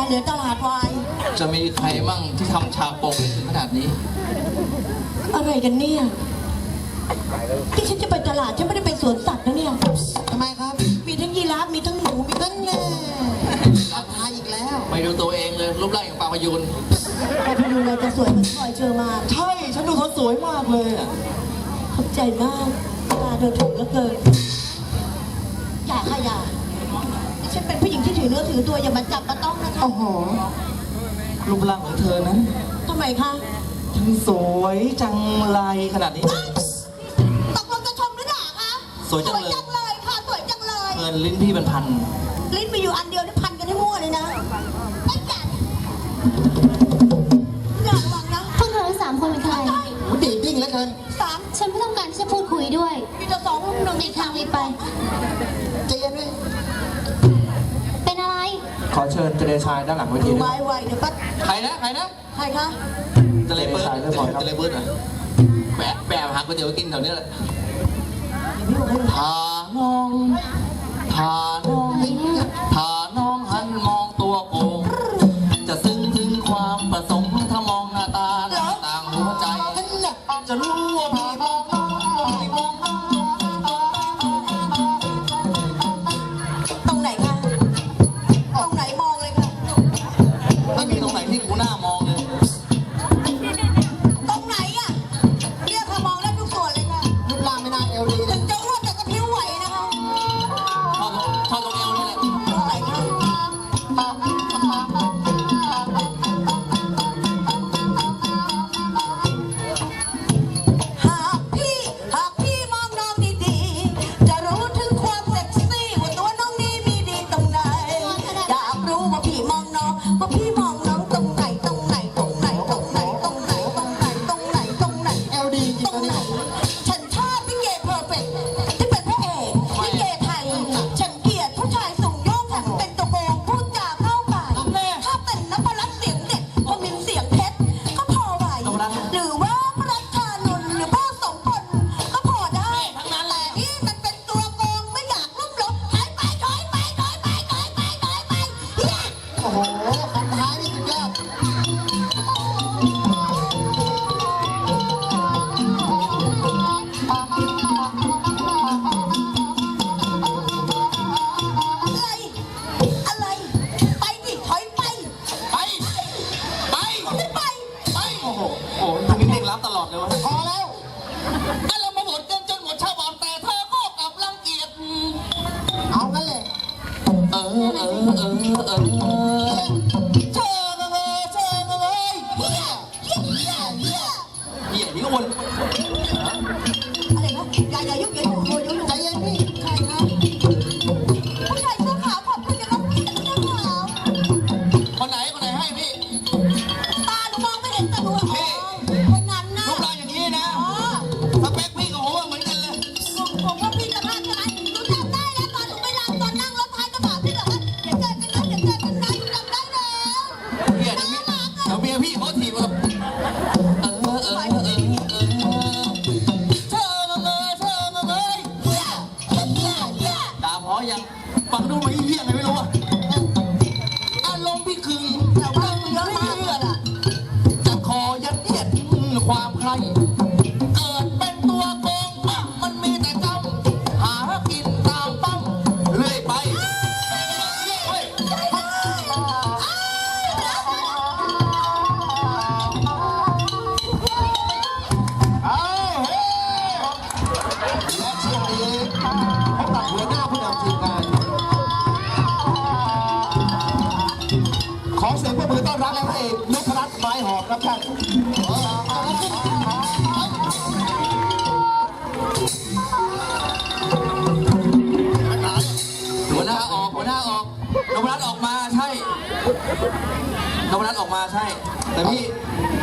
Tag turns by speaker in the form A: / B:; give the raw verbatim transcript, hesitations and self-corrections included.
A: เหลือตลาดวาย
B: จะมีใครมั่งที่ทำฉากปกได้ถึงขนาดนี้
A: อะไรกันเนี่ยที่ฉันจะไปตลาดฉันไม่ได้ไปสวนสัตว์นะเนี่ย
C: ทำไมครับ
A: มีทั้งยีราฟมีทั้งหมูมีทั้งแง่
C: ราคาอีกแล้ว
B: ไม่ดูตัวเองเลยรูปร่างอย่างปลาพยูน
A: ปลาพยูนเราจะสวยเหมือนพลอยเชอร์มาน
B: ใช่ฉันดูเขาสวยมากเลยอ่ะ
A: ขอบใจมากตาเธอถูกแล้วเกินอย่าค่ะอย่าฉันเป็นผู้หญิงที่ถือเนื้อถือตัวอย่ามาจับมาต้องนะคะ
B: โอ้โหรูปร่างของเธอนะ
A: ทำไมคะ
B: ทั้งสวยจังไรขนาดนี้
A: ตกลงจะชมหรือด่าคะ
B: สวยจังเลย
A: ค่ะสวยจังเลย
B: เงินลิ้นพี่เป็นพัน
A: ลิ้นมีอยู่อันเดียวนี่พันกันให้มั่วเลยนะไม่จัดอย่าระวังนะ
D: พวกเธอทั้งสามคนเป็นใคร
C: ดีดิ้งแล้วเกิน
A: สาม
D: ฉันไม่ต้องการที่จะพูดคุยด้วย
A: มีแต่สองหนึ่ง
D: ในทางรีบไป
C: ใจเย็นด้วย
D: เป็นอะไร
B: ขอเชิญเจเลชายด้านหลังเวทีด้วย
A: ไวไวเดี๋ยวปั๊บ
B: ใครนะใครนะ
A: ใครคะ
B: เจเลเบิร์ดเจเลเบิร์ดอ่ะแปะแปะหาก๋วยเตี๋ยวกินแถวนี้แหละทาน้องทาน้องทาน้องหันมองตัวโกงจะซึ้งถึงความประสงค์ถ้ามองหน้าตาต่างหัวใจจะรู้ว่าพี่มองน้องพี่มองน้อง
A: ตรงไหนคะตรงไหนมองเลยค่ะ
B: ไม่มีตรงไหนที่กูหน้ามองเลย
A: ตรงไหนอ่ะเรียกค่ะมองได้ทุกส่วนเลยค่ะ
C: รูปร่างไม่น่าเอวดี
A: ถึงจะอ้วนแต่ก็ผิวไหวนะคะ
B: ชอบชอบตรงเอวนี่แหละ
A: ตรงไหนคะหากพี่หากพี่มองน้องดีๆจะรู้ถึงความเซ็กซี่ว่าตัวน้องนี้มีดีตรงไหนอยากรู้ว่าพี่มองน้องว่าพี่มองน้องตรงไหนตรงไหนตรงไหนตรงไหนตรงไหนตรงไหนตรงไหนตรงไหน
C: เอวดีจริง
A: ตรง
C: ตอน
A: ไหน
C: นี้
A: ฉันชอบลิเกเพอร์เฟกต์ที่เป็นพระเอกลิเกไทยฉันเกลียดผู้ชายสูงโยงแถมเป็นตัวโกงพูดจาเข้าป่าถ้าเป็นนพรัตน์เสียงเด็ดพอมินเสียงเพชรก็พอไหวหรือว่าพระรัชานนท์หรือพ่อสมพลก็พอได้แต่นี่มันเป็นตัวโกงไม่อยากลุ่มหลบถอยไปถอยไปถอยไปถอยไปถอยไปเฮีย
C: โอ้โหคำท้ายนี่สุดยอด
A: อะไรอะไรไปดิถอยไป
B: ไปไป
A: ไม่ไป
B: ไปโอ้โหโอ้โหทำนี้เร่งรับตลอดเลยวะ
C: พอแล้ว
B: ถ้าเรามาหมดกันจนหมดชาวบ้านแต่เธอก็กลับรังเกียจ
C: เอางั้นเลย
B: เออเออเออเออเธอเลยเธอเลย
A: เฮียเฮียเฮียเฮีย
B: เหี้ยนี่ก็วน
A: อะไรนะอย่าอย่ายุ่งอย่ายุ่งอย่ายุ่ง
C: ใจเย็นพี่
A: ใครคะผู้ชายเสื้อขาวขอบคุณนะครับผู้ชายเสื้อขาว
B: คนไหนคนไหนให้พี่
A: ตาหนูมองไม่เห็นแต่หนูอ๋อคนนั้นนะ
B: รูปร่างอย่างนี้นะ
A: อ๋อ
B: สเปคพี่กับผมเหมือนกันเลย
A: ผมผมว่าพี่จะพลาดใช่ไหมหนูจำได้แล้วตอนหนูไปรำตอนนั่งรถท้ายกระบะพี่เหรอคะเดี๋ยวเจอกันนะเดี๋ยวเจอกันนะหนูจำได้แล้ว
B: เหี้ยเดี๋ยวพี่เดี๋ยวเมียพี่เขาถีบแบบเออเออเออเออเออเธอเลยเธอเลย
A: เฮียเฮียเฮียเฮีย
B: ด่าพอยังฟังดูไม่เหี้ยไงไม่รู้อะอารมณ์พี่คือ
A: แต่ว่าเยอะมากเลยอะ
B: จะขอยัดเยียดความใครเกิดเป็นตัวโกงมันมีแต่จำหากินตามปั๊มเรื่อยไปเฮ้ย
C: เอาเฮ้และช่วงนี้พบกับหัวหน้าผู้นำทีมงานขอเสียงปรบมือต้อนรับพระเอกนพรัตน์ไม้หอมครับท่าน
B: หัวหน้าออกหัวหน้าออกนพรัตน์ออกมาใช่นพรัตน์ออกมาใช่แต่พี่